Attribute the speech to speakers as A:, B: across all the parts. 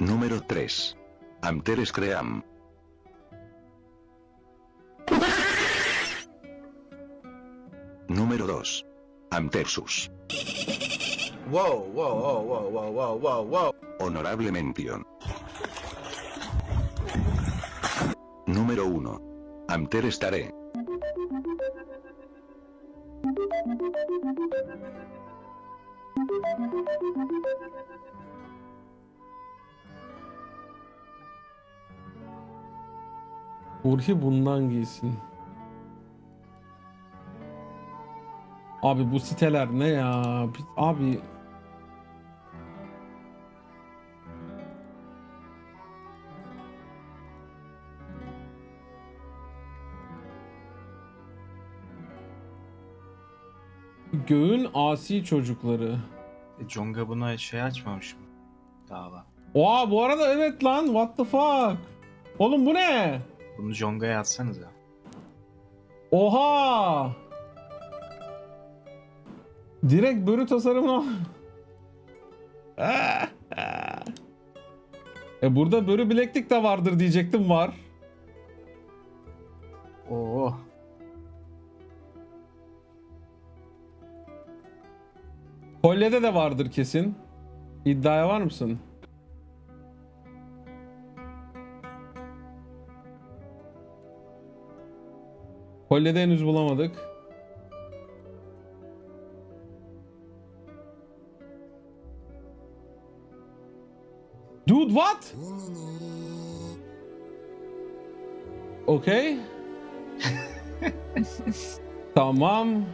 A: Número 3. Amteres Cream. Número 2. Amtersus.
B: Wow, wow, wow, wow, wow, wow, wow, wow.
A: Honorable mención. Número 1. Amteres Tare.
C: Burhi bundan giysin. Abi bu siteler ne ya? Abi göğün asi çocukları.
D: Jonga buna şey açmamış mı? Dava.
C: Oha bu arada evet lan, what the fuck? Oğlum bu ne?
D: Bunu Jonga'ya atsanıza.
C: Oha! Direkt börü tasarımına. Burada börü bileklik de vardır diyecektim, var.
D: Oo.
C: Kolyede de vardır kesin. İddiaya var mısın? Kolyede henüz bulamadık. Dude what? Okay. Tamam.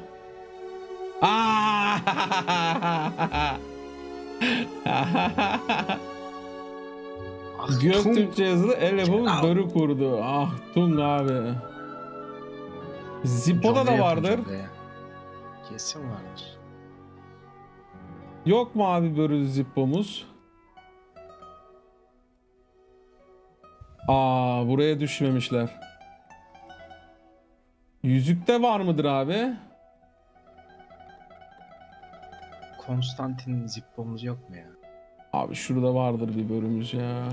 C: Göktürkçe yazılı el yapımı börü kurdu. Ah Tung abi. Zippo'da da vardır.
D: Kesin vardır.
C: Yok mu abi börü Zippo'muz? Buraya düşmemişler. Yüzükte var mıdır abi?
D: Konstantin Zippo'muz yok mu ya?
C: Abi şurada vardır bir bölümümüz ya.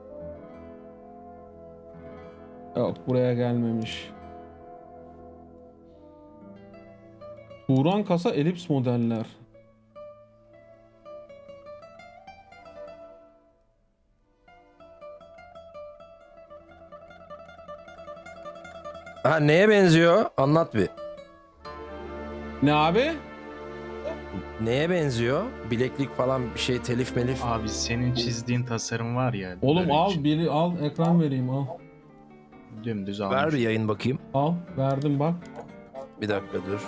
C: Yok buraya gelmemiş. Turan kasa elips modeller.
E: Ha, neye benziyor? Anlat bir.
C: Ne abi?
E: Neye benziyor? Bileklik falan bir şey, telif melif.
D: Abi senin çizdiğin tasarım var ya.
C: Oğlum
D: böyle
C: al
D: için.
C: biri al, ekran vereyim al.
D: Dümdüz almış.
E: Ver bir yayın bakayım.
C: Al verdim bak.
E: Bir dakika dur.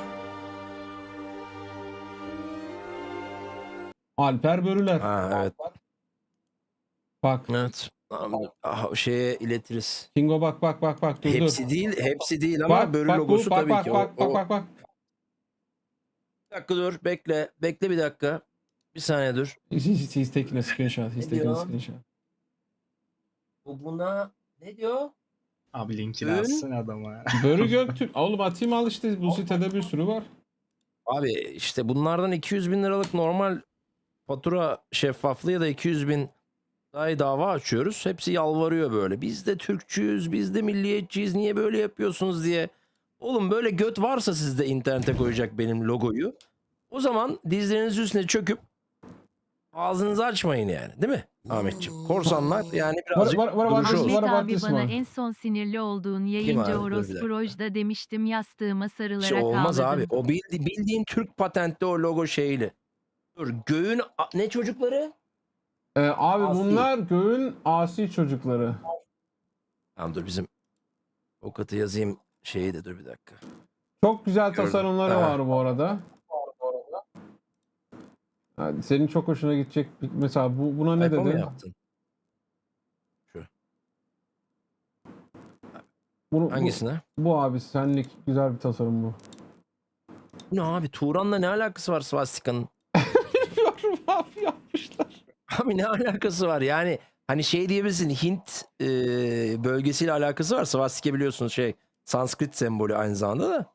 C: Alper Börüler.
E: Ha evet.
C: Bak.
E: Evet. Tamam. Şeye iletiriz.
C: Kingo bak dur
E: Hepsi
C: dur.
E: değil, hepsi değil ama börü
C: bak,
E: logosu
C: bak,
E: tabii
C: bak,
E: ki.
C: Bak.
E: Bir dakika dur, bekle. Bekle bir dakika. Bir saniye dur.
C: He's taking a screenshot. He's
E: Ne
C: taking a
E: diyor?
C: screenshot.
E: Bu buna ne diyor?
D: Abi linkini
E: Ün.
D: atsın adama.
C: Börü Göktürk. Oğlum atayım al işte, bu sitede bir sürü var.
E: Abi işte bunlardan 200 bin liralık normal fatura şeffaflığı ya da 200 bin dava açıyoruz. Hepsi yalvarıyor böyle. Biz de Türkçüyüz, biz de milliyetçiyiz. Niye böyle yapıyorsunuz diye. Oğlum böyle göt varsa sizde internete koyacak benim logoyu. O zaman dizlerinizin üstüne çöküp ağzınızı açmayın yani. Değil mi Ahmetciğim? Korsanlar yani birazcık
C: Var,
E: duruşu olsun.
C: var.
F: Ahmet abi
C: This
F: bana
C: one.
F: en son sinirli olduğun
E: abi?
F: yayıncı
E: Dur bir
F: orospu
E: dakika.
F: Roj'da demiştim, yastığıma sarılarak
E: Şey olmaz
F: ağladım.
E: abi. O bildiğin Türk patentli o logo şeyli. Dur göğün ne çocukları?
C: Abi
E: Asi.
C: bunlar göğün asi çocukları.
E: Tamam dur bizim avukatı yazayım şeyi de dur bir dakika.
C: Çok güzel
E: Gördüm.
C: tasarımları
E: Ha.
C: var bu arada. Yani senin çok hoşuna gidecek. Mesela buna ne
E: Typo mu
C: dedin?
E: yaptın?
C: Bu
E: Hangisine?
C: abi senlik güzel bir tasarım bu.
E: Ne abi Turan'la ne alakası var svastikanın?
C: Bilmiyorum abi, yapmışlar.
E: Abi ne alakası var yani hani şey diyebilirsin Hint bölgesiyle alakası var. Svastika biliyorsunuz şey Sanskrit sembolü aynı zamanda da.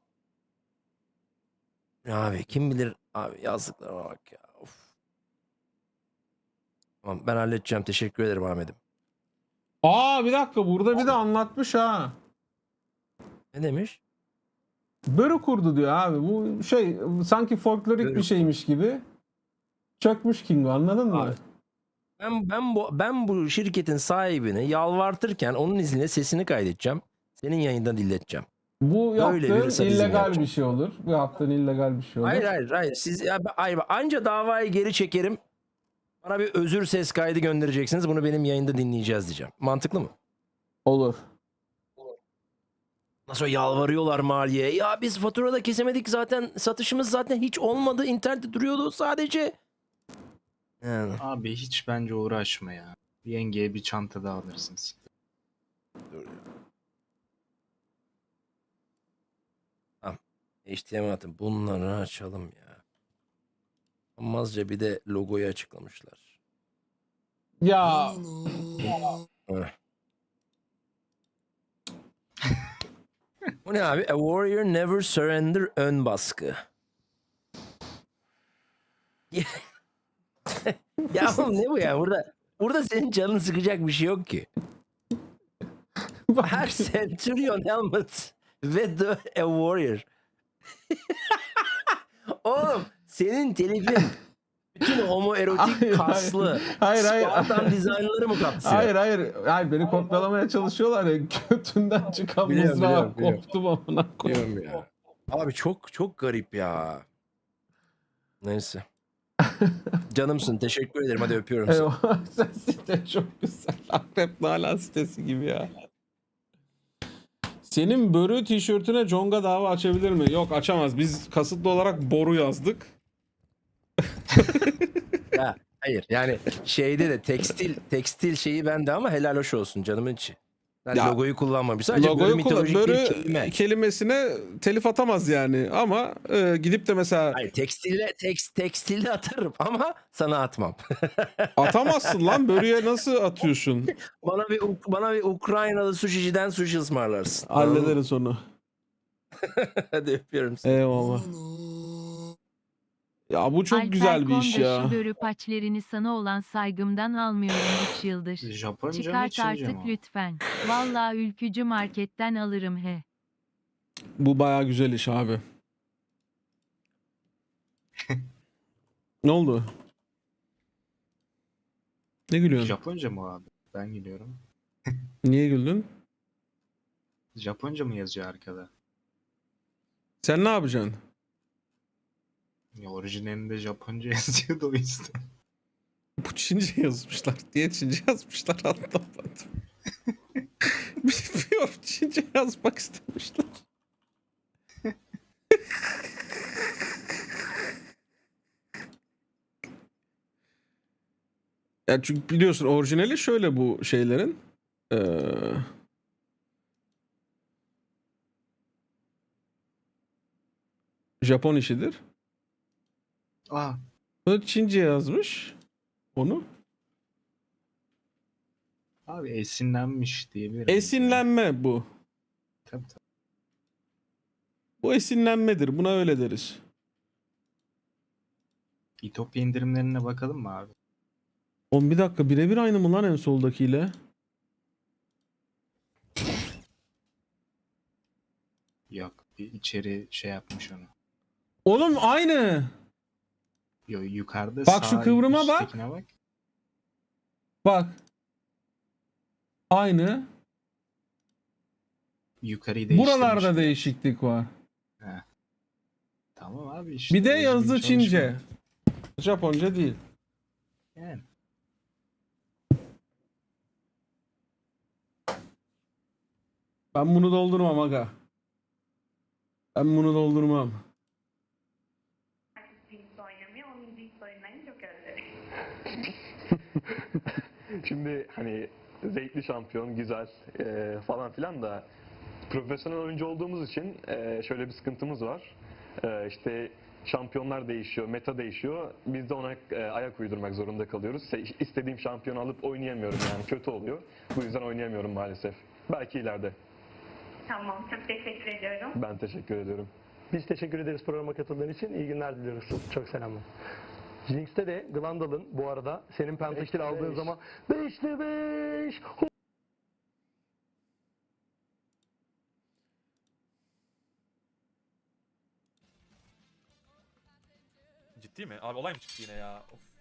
E: Abi kim bilir abi yazdıklarına bak ya. Of. Tamam, ben halledeceğim. Teşekkür ederim Ahmet'im.
C: Aa bir dakika, burada bir de anlatmış ha.
E: Ne demiş?
C: Börü kurdu diyor abi. Bu şey sanki folklorik
E: Börü.
C: bir şeymiş gibi. Çökmüş Kingo, anladın mı?
E: Abi, Ben bu şirketin sahibini yalvartırken onun izniyle sesini kaydedeceğim. Senin yayında dinleteceğim.
C: Bu
E: Böyle bir
C: yaptığın
E: sadizm
C: illegal
E: yapacağım.
C: bir şey olur. Bu yaptığın illegal bir şey olur.
E: Hayır. Siz anca davayı geri çekerim. Bana bir özür ses kaydı göndereceksiniz. Bunu benim yayında dinleyeceğiz diyeceğim. Mantıklı mı?
C: Olur.
E: Nasıl yalvarıyorlar maliye. Ya biz faturada kesemedik zaten. Satışımız zaten hiç olmadı. İnternette duruyordu sadece. Yani.
D: Abi hiç bence uğraşma ya. Yengeye bir çanta daha alırsınız.
E: HTML atın. Bunları açalım ya. Olmazca bir de logoyu açıklamışlar.
C: Ya
E: Heh. Bu ne abi? A warrior never surrender ön baskı. Ya oğlum ne bu ya? Burada senin canını sıkacak bir şey yok ki.
C: bak,
E: Her Centurion helmet ve the a warrior. Oğlum senin telifin bütün homoerotik
C: Hayır,
E: kaslı
C: hayır,
E: Spartan dizaynları mı kapsıyor?
C: hayır beni kopyalamaya çalışıyorlar ya, götünden çıkan
E: Biliyorum,
C: mızrağı
E: biliyorum.
C: koptum amına koyayım.
E: Diyorum ya. Abi çok garip ya. Neyse. Canımsın. Teşekkür ederim. Hadi öpüyorum seni.
C: Eyvah, sen site çok güzel. Akrep Nalan sitesi gibi ya. Senin börü tişörtüne Conga dava açabilir mi? Yok, açamaz. Biz kasıtlı olarak boru yazdık.
E: Ya, hayır yani şeyde de tekstil şeyi bende ama helal hoş olsun canımın içi. Ben
C: Ya,
E: logoyu kullanmam. Sadece
C: Logoyu
E: mitolojik
C: börü
E: bir kelime.
C: kelimesine telif atamaz yani. Ama gidip de mesela
E: Hayır tekstilde atarım ama sana atmam.
C: atamazsın lan. Börüye nasıl atıyorsun?
E: bana bir Ukraynalı suşiciden sushi ısmarlarsın. Anladın mı?
C: Hallederiz onu.
E: Hadi öpüyorum seni.
C: Eyvallah. Ya bu çok
F: Alper
C: güzel bir iş
F: Konda
C: ya.
F: şu börü paçlerini sana olan saygımdan almıyorum 3 yıldır.
D: Japonca mı
F: Çıkart
D: Çince
F: artık
D: mi o?
F: lütfen. Vallahi ülkücü marketten alırım he.
C: Bu bayağı güzel iş abi. Ne oldu? Ne gülüyorsun?
D: Japonca mı abi? Ben gidiyorum.
C: Niye güldün?
D: Japonca mı yazıyor arkada?
C: Sen ne yapacaksın?
D: Ya orijinalinde Japonca yazıyordu o yüzden.
C: Bu Çince yazmışlar. Diye Çince yazmışlar, anlamadım. Bilmiyorum, Çince yazmak istemişler. Ya çünkü biliyorsun orijinali şöyle bu şeylerin. Japon işidir.
D: Aa,
C: O Çince yazmış onu.
D: abi esinlenmiş diyebilir miyiz
C: Esinlenme bu.
D: ya? Tabii.
C: Bu esinlenmedir. Buna öyle deriz.
D: İtopya indirimlerine bakalım mı abi?
C: Oğlum bir dakika, birebir aynı mı lan en soldakiyle?
D: Yok. Bir içeri şey yapmış onu.
C: Oğlum aynı.
D: Yo, yukarıda
C: Bak şu
D: sağ
C: kıvrıma bak.
D: üsttekine bak.
C: Bak. Aynı.
D: Yukarıyı değiştirmiş.
C: Buralarda değişiklik var.
D: Tamam abi işte.
C: Bir de
D: düzgün
C: yazdı
D: çalışma.
C: Çince. Japonca değil.
D: Yani.
C: Ben bunu doldurmam aga. Ben bunu doldurmam.
G: Hiç oynamıyor, onun hiç oynayınca çok özledim.
H: Şimdi hani zevkli şampiyon, güzel falan filan da profesyonel oyuncu olduğumuz için şöyle bir sıkıntımız var. İşte şampiyonlar değişiyor, meta değişiyor. Biz de ona ayak uydurmak zorunda kalıyoruz. İstediğim şampiyonu alıp oynayamıyorum yani, kötü oluyor. Bu yüzden oynayamıyorum maalesef. Belki ileride.
G: Tamam, çok teşekkür ediyorum.
H: Ben teşekkür ediyorum.
I: Biz teşekkür ederiz programa katıldığın için. İyi günler diliyoruz. Çok selamlar. Jinx'te de Glandalf'ın bu arada senin pentakil aldığın zaman 5'te 5.
J: Ciddi mi? Abi olay mı çıktı yine ya? Of.